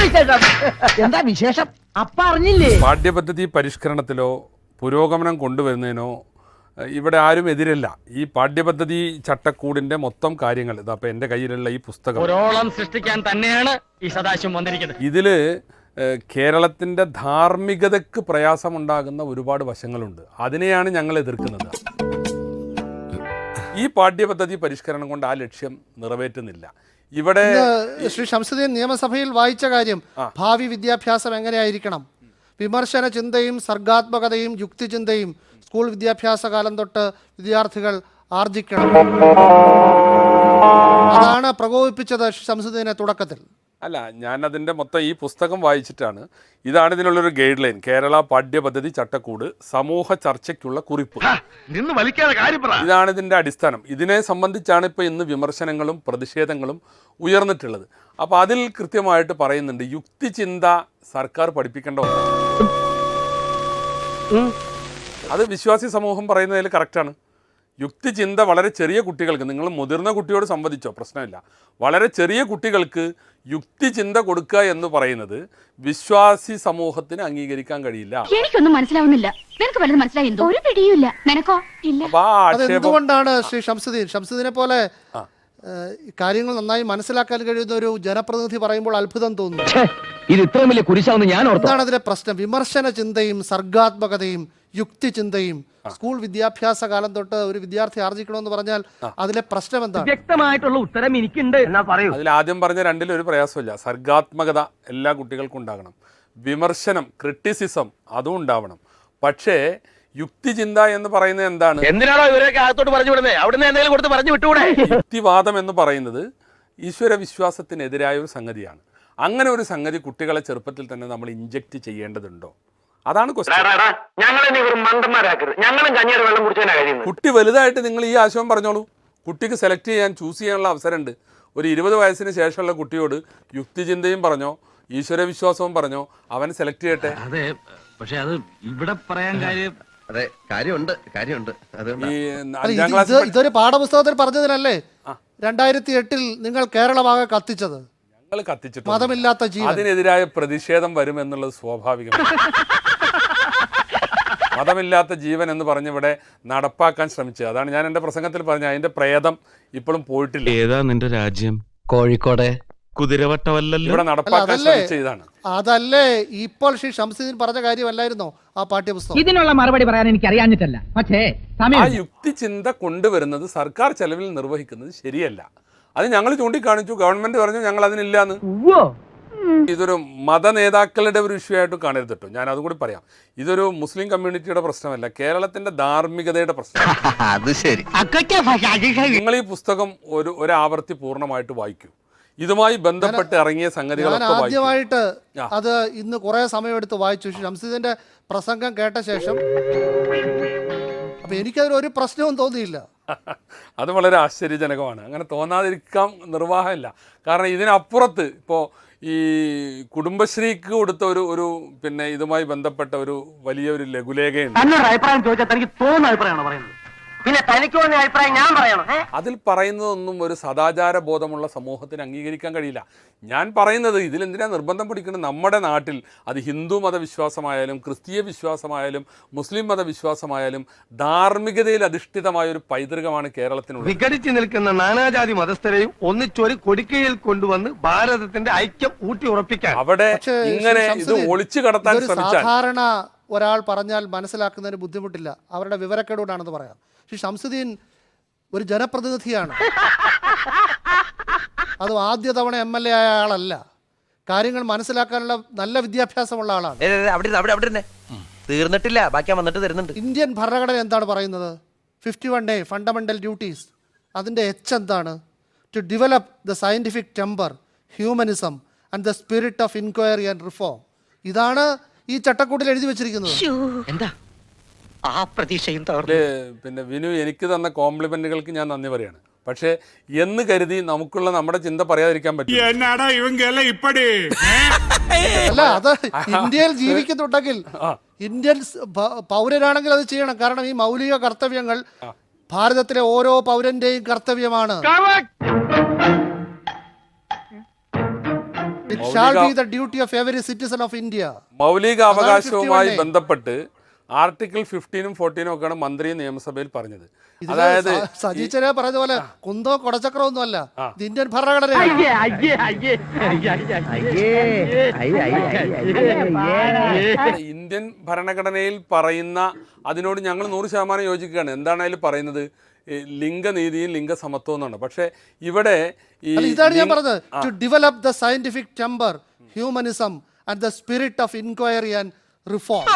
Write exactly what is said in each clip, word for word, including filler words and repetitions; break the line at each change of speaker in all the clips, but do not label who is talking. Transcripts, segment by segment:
എന്താ വിശേഷം? അപ്പ അറിഞ്ഞില്ലേ?
പാഠ്യപദ്ധതി പരിഷ്കരണത്തിലോ പുരോഗമനം കൊണ്ടുവരുന്നതിനോ ഇവിടെ ആരും എതിരല്ല. ഈ പാഠ്യപദ്ധതി ചട്ടക്കൂടിന്റെ മൊത്തം കാര്യങ്ങൾ ഇതാ ഇപ്പൊ എൻ്റെ കയ്യിലുള്ള ഈ പുസ്തകം
ഒരോളം സൃഷ്ടിക്കാൻ തന്നെയാണ് ഈ സദാശിവം വന്നിരിക്കുന്നത്.
ഇതില് കേരളത്തിന്റെ ധാർമ്മികതയ്ക്ക് പ്രയാസമുണ്ടാകുന്ന ഒരുപാട് വശങ്ങളുണ്ട്. അതിനെയാണ് ഞങ്ങൾ എതിർക്കുന്നത്. ഈ പാഠ്യപദ്ധതി പരിഷ്കരണം കൊണ്ട് ആ ലക്ഷ്യം നിറവേറ്റുന്നില്ല. ഇവിടെ
ശ്രീ ശംസുദ്ദീൻ നിയമസഭയിൽ വായിച്ച കാര്യം ഭാവി വിദ്യാഭ്യാസം എങ്ങനെയായിരിക്കണം, വിമർശന ചിന്തയും സർഗാത്മകതയും യുക്തിചിന്തയും സ്കൂൾ വിദ്യാഭ്യാസ കാലം തൊട്ട് വിദ്യാർത്ഥികൾ ആർജിക്കണം. അതാണ് പ്രകോപിപ്പിച്ചത് ശംസുദ്ദീനെ തുടക്കത്തിൽ.
അല്ല, ഞാൻ അതിൻ്റെ മൊത്തം ഈ പുസ്തകം വായിച്ചിട്ടാണ്. ഇതാണ് ഇതിനുള്ളൊരു ഗൈഡ് ലൈൻ. കേരള പാഠ്യപദ്ധതി ചട്ടക്കൂട് സമൂഹ ചർച്ചയ്ക്കുള്ള കുറിപ്പ്. ഇതാണ് ഇതിൻ്റെ അടിസ്ഥാനം. ഇതിനെ സംബന്ധിച്ചാണ് ഇപ്പോൾ ഇന്ന് വിമർശനങ്ങളും പ്രതിഷേധങ്ങളും ഉയർന്നിട്ടുള്ളത്. അപ്പോൾ അതിൽ കൃത്യമായിട്ട് പറയുന്നുണ്ട്, യുക്തിചിന്ത സർക്കാർ പഠിപ്പിക്കേണ്ട ഒന്നാണ്. അത് വിശ്വാസി സമൂഹം പറയുന്നതിൽ കറക്റ്റാണ്. യുക്തിചിന്ത വളരെ ചെറിയ കുട്ടികൾക്ക്, നിങ്ങൾ മുതിർന്ന കുട്ടിയോട് സംവദിച്ചോ പ്രശ്നമില്ല, വളരെ ചെറിയ കുട്ടികൾക്ക് യുക്തിചിന്ത കൊടുക്കുക എന്ന് പറയുന്നത് വിശ്വാസി സമൂഹത്തിന് അംഗീകരിക്കാൻ കഴിയില്ല.
എനിക്കൊന്നും മനസ്സിലാവുന്നില്ല. നിനക്ക് വല്ലതും മനസ്സിലായോ? ഒരു പിടിയുമില്ല. നിനക്കോ? ഇല്ല.
എന്തുകൊണ്ടാണ് ശ്രീ ശംസുദ്ദീൻ ശംസുദ്ദീനെ പോലെ കാര്യങ്ങൾ നന്നായി മനസ്സിലാക്കാൻ കഴിയുന്ന ഒരു ജനപ്രതിനിധി പറയുമ്പോൾ അത്ഭുതം തോന്നുന്നു.
ഇത് ഇത്രയും വലിയ കുരിശാവുന്ന ഞാൻ ഓർത്തു.
എന്താണ് അതിലെ പ്രശ്നം? വിമർശന ചിന്തയും സർഗാത്മകതയും യുക്തിചിന്തയും സ്കൂൾ വിദ്യാഭ്യാസ കാലം തൊട്ട് ഒരു വിദ്യാർത്ഥി ആർജിക്കണമെന്ന് പറഞ്ഞാൽ അതിലെ പ്രശ്നം എന്താണ്?
വ്യക്തമായിട്ടുള്ള ഉത്തരം എനിക്കുണ്ട് എന്നാ പറയൂ.
അതിൽ ആദ്യം പറഞ്ഞ രണ്ടിലും ഒരു പ്രയാസമില്ല. സർഗാത്മകത എല്ലാ കുട്ടികൾക്കും ഉണ്ടാകണം, വിമർശനം ക്രിറ്റിസിസം അതും ഉണ്ടാവണം. പക്ഷേ യുക്തിചിന്ത എന്ന് പറയുന്നത് എന്താണ്?
എന്തിനാണോ ഇവരൊക്കെ അകത്തോട്ട് പറഞ്ഞു വിടുന്നത്? അവിടുന്ന് എന്തെങ്കിലും കൊടുത്ത് പറഞ്ഞു വിട്ടുകൂടെ?
യുക്തിവാദം എന്ന് പറയുന്നത് ഈശ്വര വിശ്വാസത്തിനെതിരായ ഒരു സംഗതിയാണ്. അങ്ങനെ ഒരു സംഗതി കുട്ടികളെ ചെറുപ്പത്തിൽ തന്നെ നമ്മൾ ഇഞ്ചക്ട് ചെയ്യേണ്ടതുണ്ടോ? അതാണ് കുട്ടി വലുതായിട്ട് നിങ്ങൾ ഈ ആശയം പറഞ്ഞോളൂ. കുട്ടിക്ക് സെലക്ട് ചെയ്യാൻ ചൂസ് ചെയ്യാനുള്ള അവസരമുണ്ട്. ഒരു ഇരുപത് വയസ്സിന് ശേഷമുള്ള കുട്ടിയോട് യുക്തിചിന്തയും പറഞ്ഞോ ഈശ്വര വിശ്വാസവും പറഞ്ഞോ അവൻ സെലക്ട് ചെയ്യട്ടെ.
അതെ, പക്ഷെ അത് ഇവിടെ പറയാൻ കാര്യം അതെ കാര്യമുണ്ട് കാര്യമുണ്ട്
ഇതൊരു പാഠപുസ്തകത്തിൽ പറഞ്ഞതിനല്ലേ രണ്ടായിരത്തി എട്ടിൽ നിങ്ങൾ കേരളമാകെ കത്തിച്ചത്?
ഞങ്ങൾ കത്തിച്ചിട്ട്
മതമില്ലാത്ത ജീവൻ,
അതിനെതിരായ പ്രതിഷേധം വരുമെന്നുള്ളത് സ്വാഭാവികമാണ്. മതമില്ലാത്ത ജീവൻ എന്ന് പറഞ്ഞ് ഇവിടെ നടപ്പാക്കാൻ ശ്രമിച്ചത് അതാണ് ഞാൻ എൻ്റെ പ്രസംഗത്തിൽ പറഞ്ഞത്. അതിന്റെ പ്രേതം ഇപ്പോഴും പോയിട്ടില്ല.
ഏതാ നിന്റെ രാജ്യം?
കോഴിക്കോട്
കുതിരവട്ടമല്ലല്ലോ.
ഇവിടെ നടപ്പാക്കാൻ ശ്രമിച്ചതാണ്.
അതല്ലേ ഇപ്പോൾ ശ്രീ ശംസുദ്ദീൻ പറഞ്ഞ കാര്യമല്ലായിരുന്നോ ആ പാഠ്യപുസ്തകം?
ഇതിനുള്ള മറുപടി പറയാൻ എനിക്ക് അറിയാഞ്ഞിട്ടല്ല, പക്ഷേ
ആ യുക്തിചിന്ത കൊണ്ടുവരുന്നത് സർക്കാർ ചെലവിൽ നിർവഹിക്കുന്നത് ശരിയല്ല. അത് ഞങ്ങൾ ചൂണ്ടിക്കാണിച്ചു. ഗവൺമെന്റ് പറഞ്ഞു ഞങ്ങൾ അതിനില്ലാന്ന്. ഇതൊരു മത നേതാക്കളുടെ ഒരു ഇഷ്യൂ ആയിട്ട് കാണരുത് കേട്ടോ. ഞാൻ അതും കൂടി പറയാം. ഇതൊരു മുസ്ലിം കമ്മ്യൂണിറ്റിയുടെ പ്രശ്നമല്ല, കേരളത്തിന്റെ ധാർമ്മികതയുടെ പ്രശ്നം.
അത് ശരി.
നിങ്ങൾ ഈ പുസ്തകം ഒരു ഒരാവർത്തി പൂർണ്ണമായിട്ട് വായിക്കൂ. ഇതുമായി ബന്ധപ്പെട്ട് ഇറങ്ങിയ സംഗതികളൊക്കെ
ആദ്യമായിട്ട് അത് ഇന്ന് കുറെ സമയമെടുത്ത് വായിച്ചു. ശംസുദ്ദീന്റെ പ്രസംഗം കേട്ട ശേഷം അപ്പൊ എനിക്കതിൽ ഒരു പ്രശ്നവും തോന്നിയില്ല.
അത് വളരെ ആശ്ചര്യജനകമാണ്. അങ്ങനെ തോന്നാതിരിക്കാൻ നിർവാഹമില്ല. കാരണം ഇതിനപ്പുറത്ത് ഇപ്പോൾ ഈ കുടുംബശ്രീക്ക് കൊടുത്ത ഒരു ഒരു പിന്നെ ഇതുമായി ബന്ധപ്പെട്ട ഒരു വലിയൊരു ലഘുലേഖയുണ്ട്.
അഭിപ്രായം ചോദിച്ചാൽ തനിക്ക് തോന്നുന്ന അഭിപ്രായമാണ് പറയുന്നത്. പിന്നെ തനിക്ക് തോന്നിയ അഭിപ്രായം ഞാൻ പറയണം?
അതിൽ പറയുന്നതൊന്നും ഒരു സദാചാര ബോധമുള്ള സമൂഹത്തിന് അംഗീകരിക്കാൻ കഴിയില്ല. ഞാൻ പറയുന്നത് ഇതിലെന്തിനാ നിർബന്ധം പിടിക്കുന്നത്? നമ്മുടെ നാട്ടിൽ അത് ഹിന്ദു മതവിശ്വാസമായാലും ക്രിസ്തീയ വിശ്വാസമായാലും മുസ്ലിം മതവിശ്വാസമായാലും ധാർമ്മികതയിൽ അധിഷ്ഠിതമായ ഒരു പൈതൃകമാണ് കേരളത്തിനുള്ളത്.
വിഘടിച്ചു നിൽക്കുന്ന നാനാജാതി മതസ്ഥരെയും ഒന്നിച്ചൊരു കൊടിക്കയിൽ കൊണ്ടുവന്ന് ഭാരതത്തിന്റെ ഐക്യം ഊട്ടി ഉറപ്പിക്കാൻ
അവിടെ ഇങ്ങനെ ഇത് ഒളിച്ചു കടത്താൻ ശ്രമിച്ചാൽ
സാധാരണ ഒരാൾ പറഞ്ഞാൽ മനസ്സിലാക്കുന്നതിന് ബുദ്ധിമുട്ടില്ല. അവരുടെ വിവരക്കേടുകൊണ്ടാണെന്ന് പറയാം. ശ്രീ ശംസുദ്ദീൻ ഒരു ജനപ്രതിനിധിയാണ്. അത് ആദ്യ തവണ എം എൽ എ ആയ ആളല്ല. കാര്യങ്ങൾ മനസ്സിലാക്കാനുള്ള നല്ല വിദ്യാഭ്യാസമുള്ള ആളാണ്.
തീർന്നിട്ടില്ല, ബാക്കി വന്നിട്ട് തരുന്നുണ്ട്.
ഇന്ത്യൻ ഭരണഘടന എന്താണ് പറയുന്നത്? Fifty one A fundamental duties. അതിൻ്റെ എച്ച് എന്താണ്? To develop the scientific temper, humanism and the spirit of inquiry and reform. ഇതാണ് ഈ ചട്ടക്കൂട്ടിൽ എഴുതി വെച്ചിരിക്കുന്നത്.
എന്താ ആ പ്രതീക്ഷയും?
പിന്നെ വിനു എനിക്ക് തന്ന കോംപ്ലിമെന്റുകൾക്ക് ഞാൻ നന്ദി പറയാണ്. പക്ഷേ എന്ന് കരുതി നമുക്കുള്ള നമ്മുടെ ചിന്ത പറയാതിരിക്കാൻ പറ്റും.
അല്ല, അത് ഇന്ത്യയിൽ ജീവിക്കുന്നുണ്ടെങ്കിൽ ഇന്ത്യൻ പൗരനാണെങ്കിൽ അത് ചെയ്യണം. കാരണം ഈ മൗലിക കർത്തവ്യങ്ങൾ ഭാരതത്തിലെ ഓരോ പൗരന്റെയും കർത്തവ്യമാണ്. shall
മൗലിക
be the duty of every citizen of India.
മൗലിക അവകാശവുമായി
ഫിഫ്റ്റി വൺ എ.
ബന്ധപ്പെട്ട് ആർട്ടിക്കിൾ ഫിഫ്റ്റീനും ഫോർട്ടീനും ഒക്കെയാണ് മന്ത്രി നിയമസഭയിൽ പറഞ്ഞത്.
ഇതില്
അതായത്
സ- സജീച്ചനെ പറഞ്ഞ പോലെ കുന്തോ കൊടച്ചക്രോ ഒന്നും അല്ല, ഇത് ഇന്ത്യൻ ഭരണഘടനയാണ്.
ഇന്ത്യൻ ഭരണഘടനയിൽ പറയുന്ന അതിനോട് ഞങ്ങൾ നൂറ് ശതമാനം യോജിക്കുകയാണ്. എന്താണ് അതിൽ പറയുന്നത്? ഈ ലിംഗനീതിയും ലിംഗസമത്വം എന്നാണ്. പക്ഷേ ഇവിടെ ഈ
അല്ല, ഇതാണ് ഞാൻ
ലിംഗ-
പറഞ്ഞത്. To develop the scientific temper, humanism and the spirit of inquiry and reform.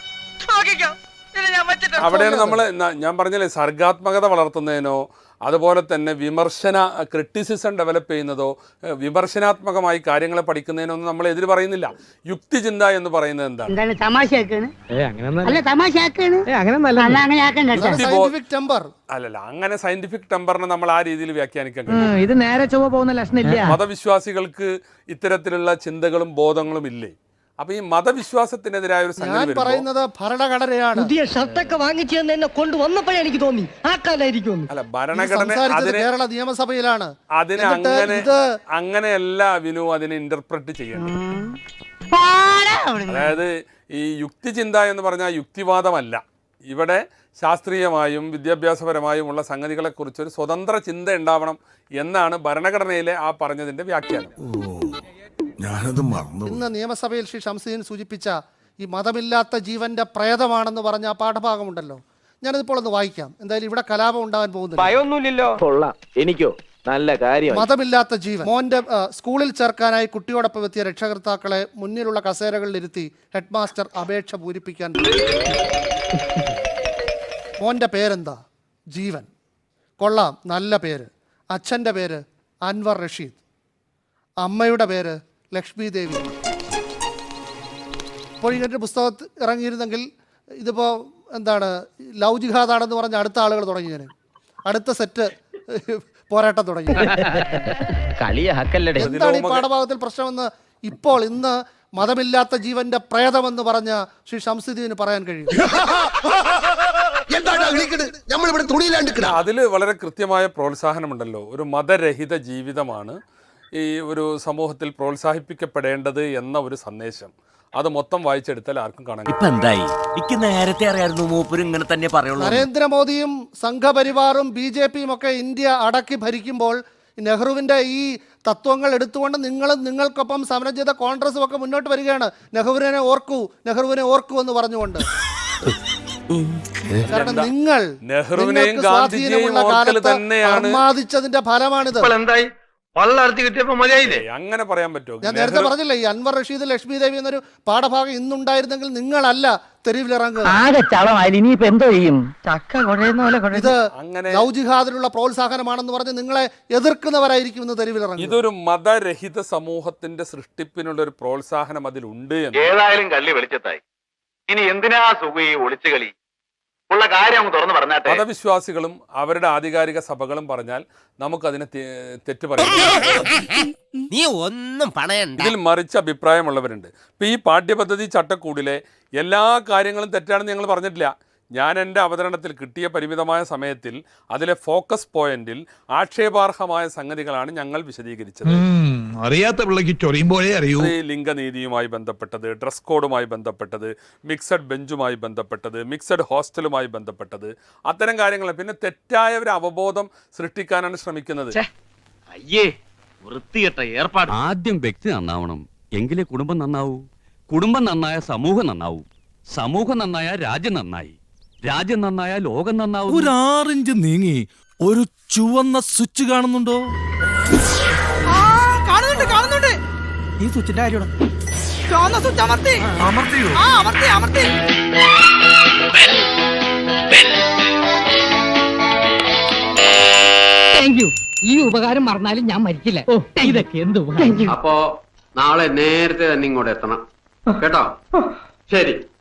അവിടെയാണ് നമ്മൾ ഞാൻ പറഞ്ഞില്ലേ, സർഗാത്മകത വളർത്തുന്നതിനോ അതുപോലെ തന്നെ വിമർശന ക്രിറ്റിസിസം ഡെവലപ്പ് ചെയ്യുന്നതോ വിമർശനാത്മകമായി കാര്യങ്ങളെ പഠിക്കുന്നതിനോ ഒന്നും നമ്മൾ എതിര് പറയുന്നില്ല. യുക്തിചിന്ത എന്ന് പറയുന്നത് എന്താണ്?
എന്താണ് തമാശയാക്കാണ്? അല്ല തമാശയാക്കാണ്. അല്ല അങ്ങനെ ആക്കണ്ട.
സയന്റിഫിക് ടെമ്പർ
അല്ലല്ല, അങ്ങനെ സയന്റിഫിക് ടെമ്പറിനെ നമ്മൾ ആ രീതിയിൽ വ്യാഖ്യാനിക്കാൻ കഴിയും.
ഇത് നേരെ ചൊവ്വ പോകുന്ന ലക്ഷണില്ല.
മതവിശ്വാസികൾക്ക് ഇത്തരത്തിലുള്ള ചിന്തകളും ബോധങ്ങളും ഇല്ലേ? അപ്പൊ ഈ മതവിശ്വാസത്തിനെതിരായ ഒരു സംഗതി
ഞാൻ
വരുമ്പോ
പറയുന്നത് ഭരണഘടനയാണ്.
പുതിയ ഷർട്ടൊക്കെ വാങ്ങിച്ചു തന്നെ എന്നെ കൊണ്ടുവന്നപ്പോഴേ എനിക്ക് തോന്നി ആ കാലായിരിക്കും.
അല്ല,
ഇത്
ഭരണഘടന
സംസാരിച്ചത്
അതിനെ
കേരള നിയമസഭയിലാണ്.
അതിനെ
എന്നിട്ട്
അങ്ങനെ
ഇത്
അങ്ങനെയല്ല വിനു അതിനെ ഇന്റർപ്രറ്റ് ചെയ്യേണ്ടത്. അതായത് ഈ യുക്തിചിന്ത എന്ന് പറഞ്ഞാൽ യുക്തിവാദമല്ല. ഇവിടെ ശാസ്ത്രീയമായും വിദ്യാഭ്യാസപരമായുമുള്ള സംഗതികളെക്കുറിച്ച് ഒരു സ്വതന്ത്ര ചിന്ത ഉണ്ടാവണം എന്നാണ് ഭരണഘടനയിലെ ആ പറഞ്ഞതിന്റെ വ്യാഖ്യാനം.
ഞാനത് മറന്നു.
ഇന്ന് നിയമസഭയിൽ ശ്രീ ഷംസുദ്ദീൻ സൂചിപ്പിച്ച ഈ മതമില്ലാത്ത ജീവന്റെ പ്രേതമാണെന്ന് പറഞ്ഞ ആ പാഠഭാഗമുണ്ടല്ലോ, ഞാനിതിപ്പോൾ ഒന്ന് വായിക്കാം. എന്തായാലും ഇവിടെ കലാപം ഉണ്ടാകാൻ പോകുന്നില്ല.
ഭയമൊന്നുമില്ലല്ലോ. കൊള്ളാം. എനിക്കോ നല്ല കാര്യം.
മതമില്ലാത്ത ജീവൻ. മോന്റെ ആ, സ്കൂളിൽ ചേർക്കാനായി കുട്ടിയോടൊപ്പം എത്തിയ രക്ഷകർത്താക്കളെ മുന്നിലുള്ള കസേരകളിലിരുത്തി ഹെഡ് മാസ്റ്റർ അപേക്ഷ പൂരിപ്പിക്കാൻ തുടങ്ങി. മോന്റെ പേരെന്താ? ജീവൻ. കൊള്ളാം, നല്ല പേര്. അച്ഛൻ്റെ പേര് അൻവർ റഷീദ്. അമ്മയുടെ പേര് ലക്ഷ്മി ദേവി. ഇപ്പോൾ ഇങ്ങനൊരു പുസ്തകത്തിൽ ഇറങ്ങിയിരുന്നെങ്കിൽ ഇതിപ്പോൾ എന്താണ് ലവ് ജിഹാദാണെന്ന് പറഞ്ഞ അടുത്ത ആളുകൾ തുടങ്ങി. ഞാൻ അടുത്ത സെറ്റ് പോരാട്ടം തുടങ്ങി. എന്താണ് ഈ പാഠഭാഗത്തിൽ പ്രശ്നമെന്ന് ഇപ്പോൾ ഇന്ന് മതമില്ലാത്ത ജീവന്റെ പ്രേതമെന്ന് പറഞ്ഞ ശ്രീ ഷംസുദ്ദീന് പറയാൻ കഴിയും.
അതിൽ വളരെ കൃത്യമായ പ്രോത്സാഹനമുണ്ടല്ലോ. ഒരു മതരഹിത ജീവിതമാണ് ഈ ഒരു സമൂഹത്തിൽ പ്രോത്സാഹിപ്പിക്കപ്പെടേണ്ടത് എന്ന ഒരു സന്ദേശം. അത് മൊത്തം വായിച്ചെടുത്താൽ ആർക്കും കാണാൻ
ഇപ്പൊ എന്തായി? എനിക്ക് നേരത്തെ അറിയായിരുന്നു മൂപ്പര് ഇങ്ങനെ തന്നെ പറയുള്ളൂ.
നരേന്ദ്രമോദിയും സംഘപരിവാറും ബി ജെ പിയും ഒക്കെ ഇന്ത്യ അടക്കി ഭരിക്കുമ്പോൾ നെഹ്റുവിൻ്റെ ഈ തത്വങ്ങൾ എടുത്തുകൊണ്ട് നിങ്ങളും നിങ്ങൾക്കൊപ്പം സമരം ചെയ്ത കോൺഗ്രസും ഒക്കെ മുന്നോട്ട് വരികയാണ്. നെഹ്റുവിനെ ഓർക്കൂ, നെഹ്റുവിനെ ഓർക്കൂ എന്ന് പറഞ്ഞുകൊണ്ട്. കാരണം നിങ്ങൾ
നെഹ്റുവിനെയും ഗാന്ധിജിയെയും ഓർക്കൽ തന്നെയാണ്.
അർമാദിച്ചതിന്റെ ഫലമാണിത്.
എന്തായി വള്ളർത്തി കിട്ടിയപ്പോ മതിയായില്ലേ?
അങ്ങനെ പറയാൻ പറ്റുമോ?
ഞാൻ നേരത്തെ പറഞ്ഞില്ലേ, ഈ അൻവർ റഷീദ് ലക്ഷ്മി ദേവി എന്നൊരു പാഠഭാഗം ഇന്നുണ്ടായിരുന്നെങ്കിൽ നിങ്ങളല്ല തെരുവിലിറങ്ങുക.
ആകെ ചളമായി. ഇനിയിപ്പോ എന്തോ ചെയ്യും? ചക്ക കുഴയുന്ന പോലെ
ഇത്
അങ്ങനെ
ലവ് ജിഹാദിനുള്ള പ്രോത്സാഹനമാണെന്ന് പറഞ്ഞ് നിങ്ങളെ എതിർക്കുന്നവരായിരിക്കും ഇന്ന് തെരുവിലിറങ്ങുക.
ഇതൊരു മതരഹിത സമൂഹത്തിന്റെ സൃഷ്ടിപ്പിനുള്ള ഒരു പ്രോത്സാഹനം അതിലുണ്ട് എന്ന്.
ഏതായാലും കള്ളി വെളിച്ചത്തായി. ഇനി എന്തിനാ സുഖി ഒളിച്ചു കളി? ഉള്ള കാര്യം അങ്ങ് തുറന്നു പറഞ്ഞാട്ടെ.
മതവിശ്വാസികളും അവരുടെ ആധികാരിക സഭകളും പറഞ്ഞാൽ നമുക്കതിനെ തെറ്റ് പറയാം.
നീ ഒന്നും പണയണ്ട.
ഇതിൽ മറിച്ച് അഭിപ്രായമുള്ളവരുണ്ട്. ഇപ്പം ഈ പാഠ്യപദ്ധതി ചട്ടക്കൂടിലെ എല്ലാ കാര്യങ്ങളും തെറ്റാണെന്ന് ഞങ്ങൾ പറഞ്ഞിട്ടില്ല. ഞാൻ എൻ്റെ അവതരണത്തിൽ കിട്ടിയ പരിമിതമായ സമയത്തിൽ അതിലെ ഫോക്കസ് പോയിന്റിൽ ആക്ഷേപാർഹമായ സംഗതികളാണ് ഞങ്ങൾ വിശദീകരിച്ചത്.
അറിയാത്ത പിള്ളക്ക് ചൊറിയുമ്പോഴേ അറിയൂ.
ലിംഗനീതിയുമായി ബന്ധപ്പെട്ടത്, ഡ്രസ് കോഡുമായി ബന്ധപ്പെട്ടത്, മിക്സഡ് ബെഞ്ചുമായി ബന്ധപ്പെട്ടത്, മിക്സഡ് ഹോസ്റ്റലുമായി ബന്ധപ്പെട്ടത്, അത്തരം കാര്യങ്ങൾ. പിന്നെ തെറ്റായ ഒരു അവബോധം സൃഷ്ടിക്കാനാണ് ശ്രമിക്കുന്നത്.
അയ്യേ, വൃത്തികെട്ട ഏർപ്പാട്.
ആദ്യം വ്യക്തി നന്നാവണം, എങ്കിലേ കുടുംബം നന്നാവൂ. കുടുംബം നന്നായ സമൂഹം നന്നാവൂ. സമൂഹം നന്നായ രാജ്യം നന്നായി. രാജ്യം നന്നായ ലോകം നന്നാവും.
ഒരു ആറിഞ്ച് നീങ്ങി ഒരു ചുവന്ന സ്വിച്ച് കാണുന്നുണ്ടോ?
കാണുന്നുണ്ട് കാണുന്നുണ്ട്.
ഈ സ്വിച്ചിന്റെ കാര്യമാണ്.
ചുവന്ന സ്വിച്ച് അമർത്തി.
അമർത്തിയോ?
ആ അമർത്തി അമർത്തി. Thank you. ഈ ഉപകാരം മറന്നാലും ഞാൻ മരിക്കില്ല. ഓ ഇതൊക്കെ എന്ത് ഉപകാരം.
അപ്പോ നാളെ നേരത്തെ തന്നെ ഇങ്ങോട്ട് എത്തണം കേട്ടോ. ശരി.